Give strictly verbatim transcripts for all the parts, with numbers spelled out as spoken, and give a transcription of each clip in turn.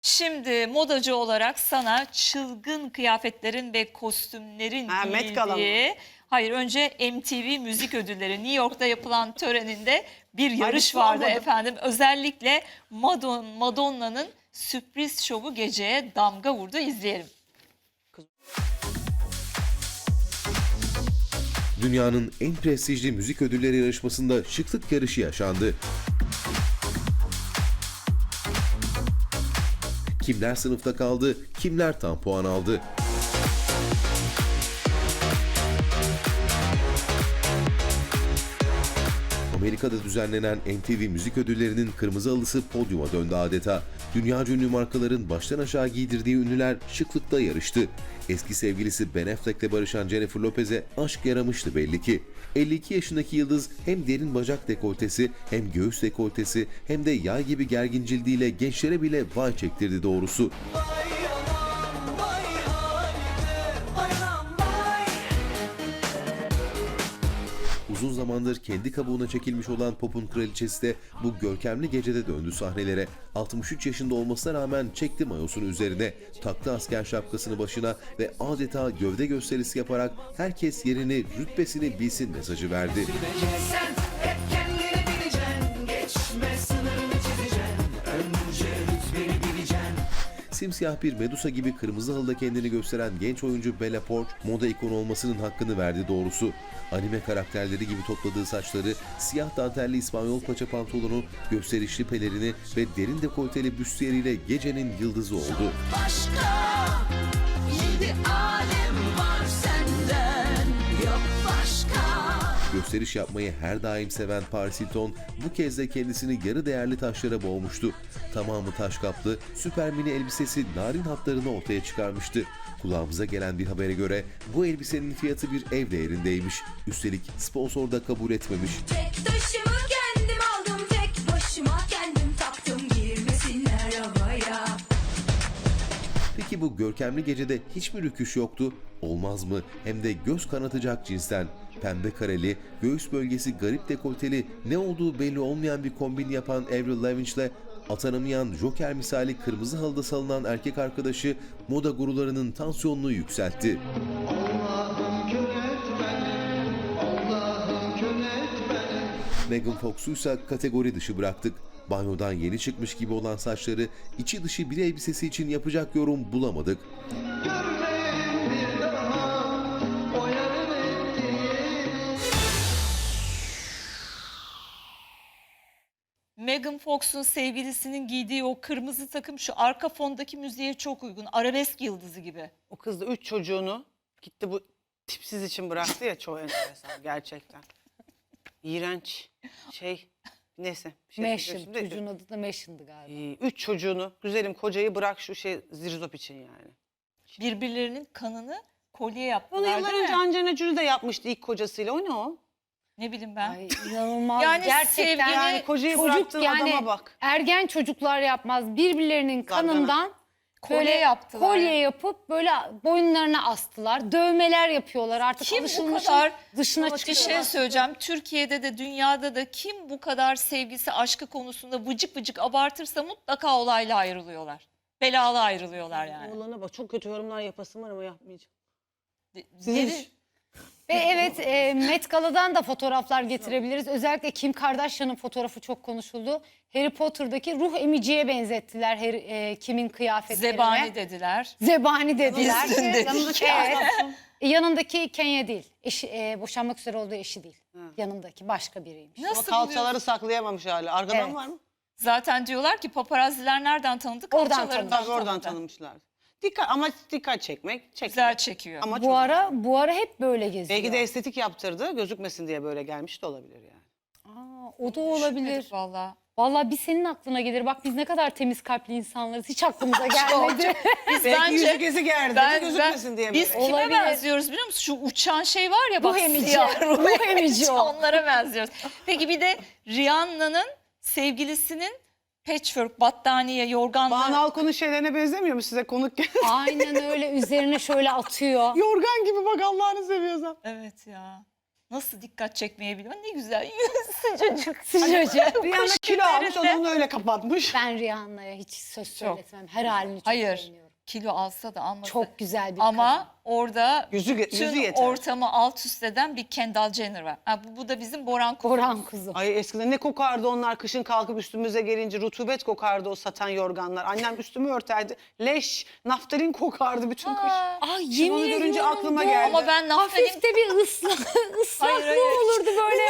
Şimdi modacı olarak sana çılgın kıyafetlerin ve kostümlerin Ha, Met Gala mı? giyildiği... Hayır, önce M T V Müzik Ödülleri New York'ta yapılan töreninde bir yarış hiç vardı sormadım. efendim. Özellikle Madon, Madonna'nın sürpriz şovu geceye damga vurdu. İzleyelim. Dünyanın en prestijli müzik ödülleri yarışmasında şıklık yarışı yaşandı. Kimler sınıfta kaldı, kimler tam puan aldı? Amerika'da düzenlenen M T V Müzik Ödülleri'nin kırmızı halısı podyuma döndü adeta. Dünyaca ünlü markaların baştan aşağı giydirdiği ünlüler şıklıkta yarıştı. Eski sevgilisi Ben Affleck'le barışan Jennifer Lopez'e aşk yaramıştı belli ki. elli iki yaşındaki yıldız hem derin bacak dekoltesi hem göğüs dekoltesi hem de yay gibi gergin cildiyle gençlere bile vay çektirdi doğrusu. Uzun zamandır kendi kabuğuna çekilmiş olan pop'un kraliçesi de bu görkemli gecede döndü sahnelere. altmış üç yaşında olmasına rağmen çekti mayosunu üzerine, taktı asker şapkasını başına ve adeta gövde gösterisi yaparak herkes yerini, rütbesini bilsin mesajı verdi. Sen hep kendini bileceksin, geçme sınırını çizeceksin, önce rütbeni bileceksin. Simsiyah bir Medusa gibi kırmızı halıda kendini gösteren genç oyuncu Bella Poarch, moda ikonu olmasının hakkını verdi doğrusu. Anime karakterleri gibi topladığı saçları, siyah dantelli İspanyol paça pantolonu, gösterişli pelerini ve derin dekolteli büstiyeriyle gecenin yıldızı oldu. Başka yedi alem var senden, yok başka. Gösteriş yapmayı her daim seven Paris Hilton bu kez de kendisini yarı değerli taşlara boğmuştu. Tamamı taş kaplı, süper mini elbisesi narin hatlarını ortaya çıkarmıştı. Kulağımıza gelen bir habere göre bu elbisenin fiyatı bir ev değerindeymiş. Üstelik sponsor da kabul etmemiş. Tek taşımı kendim aldım, tek başıma kendim taktım, girmesinler havaya. Peki bu görkemli gecede hiç mi rüküş yoktu? Olmaz mı? Hem de göz kanatacak cinsten. Pembe kareli, göğüs bölgesi garip dekolteli, ne olduğu belli olmayan bir kombin yapan Avril Lavigne'le atanamayan Joker misali kırmızı halıda salınan erkek arkadaşı moda gurularının tansiyonunu yükseltti. Megan Fox'u ise kategori dışı bıraktık. Banyodan yeni çıkmış gibi olan saçları içi dışı bir elbisesi için yapacak yorum bulamadık. Megan Fox'un sevgilisinin giydiği o kırmızı takım şu arka fondaki müziğe çok uygun. Arabesk yıldızı gibi. O kız da üç çocuğunu gitti bu tipsiz için bıraktı ya, çok enteresan gerçekten. İğrenç şey, neyse. Bir şey Meşin, diyeceğim şimdi. çocuğun adı da Meşin'di galiba. Ee, Üç çocuğunu, güzelim kocayı bırak şu şey zirzop için yani. Birbirlerinin kanını kolye Onu yaptılar yıllar değil önce mi? Angelina Jolie de yapmıştı ilk kocasıyla. O ne o? Ne bileyim ben. Ay inanılmaz. Yani Gerçekten sevgili- Yani kocayı çocuk bıraktığın yani adama bak. ergen çocuklar yapmaz. Birbirlerinin Zargana. kanından Kolye böyle yaptılar. kolye yapıp böyle boyunlarına astılar. Dövmeler yapıyorlar. Artık Kim bu alışılmışın kadar dışına bir çıkıyorlar. şey söyleyeceğim. Türkiye'de de dünyada da kim bu kadar sevgisi aşkı konusunda vıcık vıcık abartırsa mutlaka olayla ayrılıyorlar. Belalı ayrılıyorlar yani. Oğlana bak, çok kötü yorumlar yapasım var ama yapmayacağım. De- Sizin deli- Ve evet e, Met Gala'dan da fotoğraflar getirebiliriz. Özellikle Kim Kardashian'ın fotoğrafı çok konuşuldu. Harry Potter'daki ruh emiciye benzettiler Harry, e, Kim'in kıyafetlerine. Zebani dediler. Zebani dediler. Bizim dediler. Yanındaki Evet. adam. E, yanındaki Kenya değil. Eşi, e, boşanmak üzere olduğu eşi değil. Yanındaki başka biriymiş. Ama Nasıl kalçaları buluyorsun? saklayamamış hala. Arkadan Evet. var mı? Zaten diyorlar ki paparazziler nereden tanıdı? Oradan Kalçalarından Tabii oradan tanıdı. tanımışlar. Dikkat, ama dikkat çekmek. çekmek. Güzel çekiyor. Ama Bu çok- ara bu ara hep böyle geziyor. Belki de estetik yaptırdı, gözükmesin diye böyle gelmiş de olabilir yani. Aa, o da olabilir. Düşünmedik Vallahi. Vallahi bir senin aklına gelir. Bak biz ne kadar temiz kalpli insanlarız. Hiç aklımıza gelmedi. Biz Belki bence yüzük izi gerdi, ben, gözükmesin diye biz böyle. kime Olabilir. benziyoruz biliyor musun? Şu uçan şey var ya bak. Ruh emici. siyah ruh Ruh emici o. Onlara benziyoruz. Peki bir de Rihanna'nın sevgilisinin patchwork battaniye yorganla Banu Alkon'un şeylerine benzemiyor mu size konuk gel? Aynen öyle üzerine şöyle atıyor. Yorgan gibi bak, Allah'ını seviyorsan. Evet ya. nasıl dikkat çekmeyi biliyor. Ne güzel sıcacık. Sıcacık. Rihanna kilo almış, günlerinde- onu öyle kapatmış. Ben Rihanna'ya hiç söz söyletmem. Her halini çok Hayır, beğeniyorum. kilo alsa da almasa. Çok güzel bir Ama kadın. orada Yüzü ge- bütün yüzü yeter. ortamı alt üst eden bir Kendall Jenner var. Ha, bu, bu da bizim Boran Kuzum. Boran kuzum. Ay eskiden ne kokardı onlar, kışın kalkıp üstümüze gelince rutubet kokardı o satan yorganlar. Annem üstümü örterdi. Leş, naftalin kokardı bütün kış. Aa, Ay Şimdi yemin onu görünce ediyorum aklıma bu. geldi. ama ben naftalin, Hafif de bir ıslah, ıslaklığı Hayır, hayır. olurdu böyle.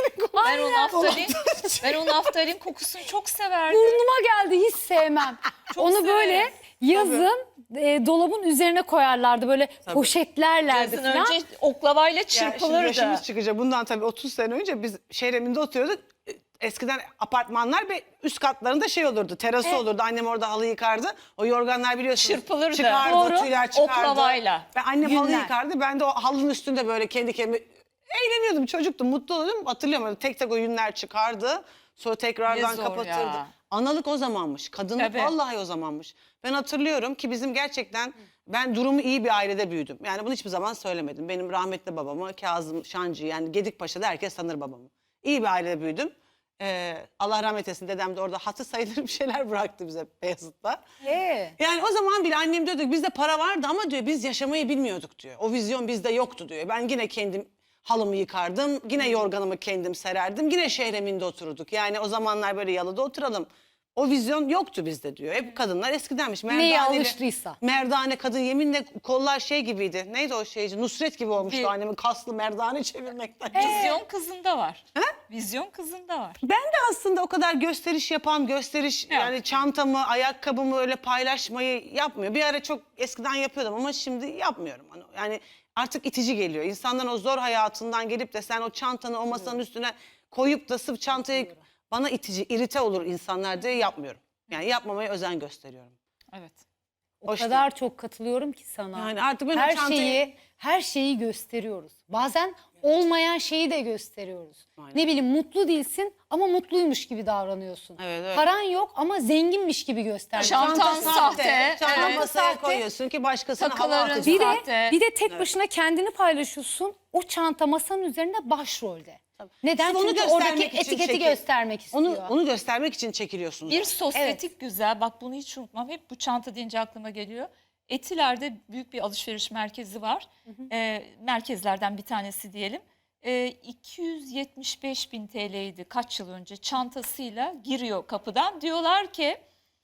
ben o naftalin, ben o naftalin kokusunu çok severdim. Burnuma geldi, hiç sevmem. Onu severim. böyle yazın e, dolabın üzerine koyarlardı, böyle poşetlerlerdi Yazın falan. önce oklavayla Ya şimdi çırpılırdı. yaşımız çıkacak. Bundan tabii otuz sene önce biz Şehreminde oturuyorduk. Eskiden apartmanlar ve üst katlarında şey olurdu, terası Evet. olurdu. Annem orada halı yıkardı. O yorganlar biliyorsunuz. Çırpılırdı. Çıkardı, Doğru. tüyler çıkardı. Oklavayla. Ve annem halı Günler. yıkardı. Ben de o halının üstünde böyle kendi kendime eğleniyordum. Çocuktum, mutlu oluyordum. Hatırlıyorum, öyle tek tek o yünler çıkardı. Sonra tekrardan Ne zor kapatırdı. ya. Analık o zamanmış. Kadınlık Tabii. vallahi o zamanmış. Ben hatırlıyorum ki bizim gerçekten, ben durumu iyi bir ailede büyüdüm. Yani bunu hiçbir zaman söylemedim. Benim rahmetli babamı, Kazım Şancı, yani Gedikpaşa'da herkes tanır babamı. İyi bir ailede büyüdüm. Ee, Allah rahmet eylesin, dedem de orada hatı sayılır bir şeyler bıraktı bize Beyazıt'ta. Ee, Yani o zaman bile annem diyordu ki bizde para vardı ama diyor biz yaşamayı bilmiyorduk diyor. O vizyon bizde yoktu diyor. Ben yine kendim halımı yıkardım, yine yorganımı kendim sererdim, yine Şehreminde otururduk. Yani o zamanlar böyle yalıda oturalım. O vizyon yoktu bizde diyor. Hep kadınlar eskidenmiş. Neye Merdaneli- alıştıysa. Merdane kadın, yeminle kollar şey gibiydi. Neydi o şeyci? Nusret gibi olmuştu Bir- annemin, kaslı merdane çevirmekten. Vizyon kızında var. Vizyon kızında var. Ben de aslında o kadar gösteriş yapan, gösteriş Yok. yani çantamı, ayakkabımı öyle paylaşmayı yapmıyor. Bir ara çok eskiden yapıyordum ama şimdi yapmıyorum. Hani yani artık itici geliyor. İnsanların o zor hayatından gelip de sen o çantanı o masanın üstüne koyup da sırf çantayı, bana itici, irite olur insanlar diye yapmıyorum. Yani yapmamaya özen gösteriyorum. Evet. o Hoş kadar çok katılıyorum ki sana. Yani artık ben o her çantayı- şeyi her şeyi gösteriyoruz. Bazen olmayan şeyi de gösteriyoruz. Aynen. Ne bileyim, mutlu değilsin ama mutluymuş gibi davranıyorsun. Evet, evet. Paran yok ama zenginmiş gibi gösteriyorsun. Çantan sahte, Çantanı evet. masaya Sahte. koyuyorsun ki başkasına hava Takıların atacaksın. Bir de, Sahte. bir de tek başına kendini paylaşıyorsun. O çanta masanın üzerinde başrolde. Neden? Sırf onu Çünkü göstermek oradaki için etiketi çekil- göstermek istiyor. Onu, onu göstermek için çekiliyorsunuz. Bir zaten. sosyetik güzel. Bak bunu hiç unutmam. Hep bu çanta deyince aklıma geliyor. Etiler'de büyük bir alışveriş merkezi var. Ee, merkezlerden bir tanesi diyelim. Ee, iki yüz yetmiş beş bin T L'ydi kaç yıl önce, çantasıyla giriyor kapıdan. Diyorlar ki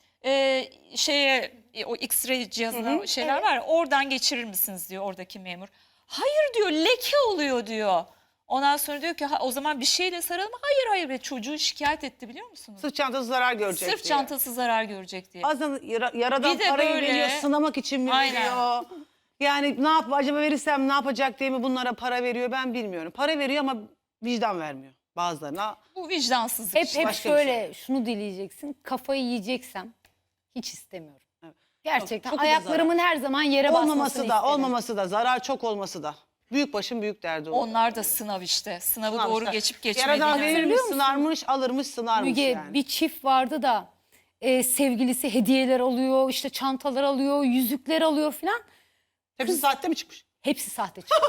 e, şeye e, o X-ray cihazına şeyler var ya, oradan geçirir misiniz diyor oradaki memur. Hayır diyor, leke oluyor diyor. Ondan sonra diyor ki ha, o zaman bir şeyle saralım. Hayır hayır, ve çocuğu şikayet etti biliyor musunuz? Sırf çantası zarar görecek Sırf diye. çantası zarar görecek diye. Bazen yara, yaradan Bir de parayı böyle- veriyor, sınamak için mi Aynen. veriyor? Yani ne yap, acaba verirsem ne yapacak diye mi bunlara para veriyor, ben bilmiyorum. Para veriyor ama vicdan vermiyor bazılarına. Bu vicdansızlık. Hep işte. hep başka bir şöyle şunu dileyeceksin. Kafayı yiyeceksem hiç istemiyorum. Evet. Gerçekten Çok- çok da ayaklarımın her zaman yere basmasını Olmaması da, isterim. olmaması da, zarar çok olması da. Büyük başın büyük derdi o. Onlar da sınav işte. Sınavı Sınav doğru işte. geçip Yaradan geçmediğini. verirmiş, Hatırlıyor musun? sınarmış, alırmış, sınarmış Müge, yani. bir çift vardı da e, sevgilisi hediyeler alıyor, işte çantalar alıyor, yüzükler alıyor filan. Hepsi saatte mi çıkmış? Hepsi sahte çıkmış.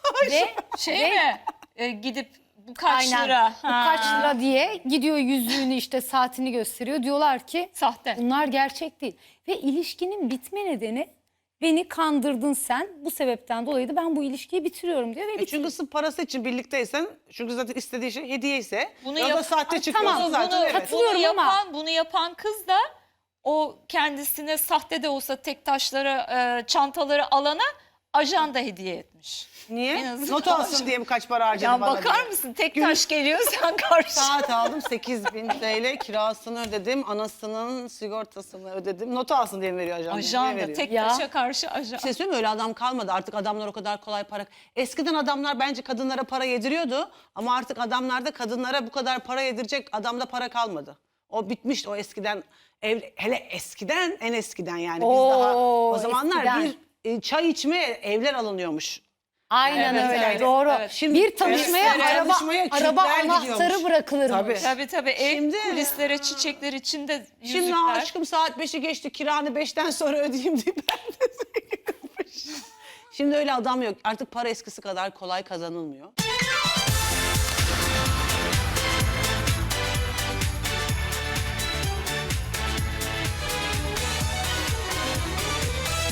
Ve Şey ve- mi? E, gidip bu kaç Aynen. lira? Bu Ha. kaç lira diye gidiyor, yüzüğünü işte saatini gösteriyor. Diyorlar ki Sahte. bunlar gerçek değil. Ve ilişkinin bitme nedeni, beni kandırdın sen, bu sebepten dolayı da ben bu ilişkiyi bitiriyorum diyor ve E bitiriyor. çünkü sırf parası için birlikteysen, çünkü zaten istediği şey hediye ise, Bunu ya da yap- sahte Ay, çıkıyorsa tamam, zaten bunu, evet. katılıyorum bunu ama- yapan, bunu yapan kız da o kendisine sahte de olsa tek taşları, e, çantaları alana ajan da hediye etmiş. En Niye? azından- Not alsın diye mi kaç para harcadı Ya bana bakar diye. mısın? Tek taş geliyor, sen karşı. Saat aldım, sekiz bin T L kirasını ödedim, anasının sigortasını ödedim. Not alsın diye mi veriyor ajan? Ajan Niye da veriyor? tek Ya. taşa karşı ajan. Bir şey söyleyeyim mi? Öyle adam kalmadı. Artık adamlar o kadar kolay para... Eskiden adamlar bence kadınlara para yediriyordu. Ama artık adamlarda kadınlara bu kadar para yedirecek adamda para kalmadı. O bitmiş, o eskiden. Ev, hele eskiden, en eskiden yani. Biz Oo, daha o zamanlar eskiden. bir e, çay içmeye evler alınıyormuş. Aynen Evet, öyle, evet, doğru. evet. Şimdi- bir tanışmaya Evet, araba, tanışmaya araba Kürtler anahtarı gidiyormuş. bırakılırmış. Tabii. Tabii tabii, ev Şimdi- kulislere, çiçekler içinde yüzükler. Şimdi aşkım saat beşi geçti, kiranı beşten sonra ödeyeyim diye ben de Şimdi öyle adam yok. Artık para eskisi kadar kolay kazanılmıyor.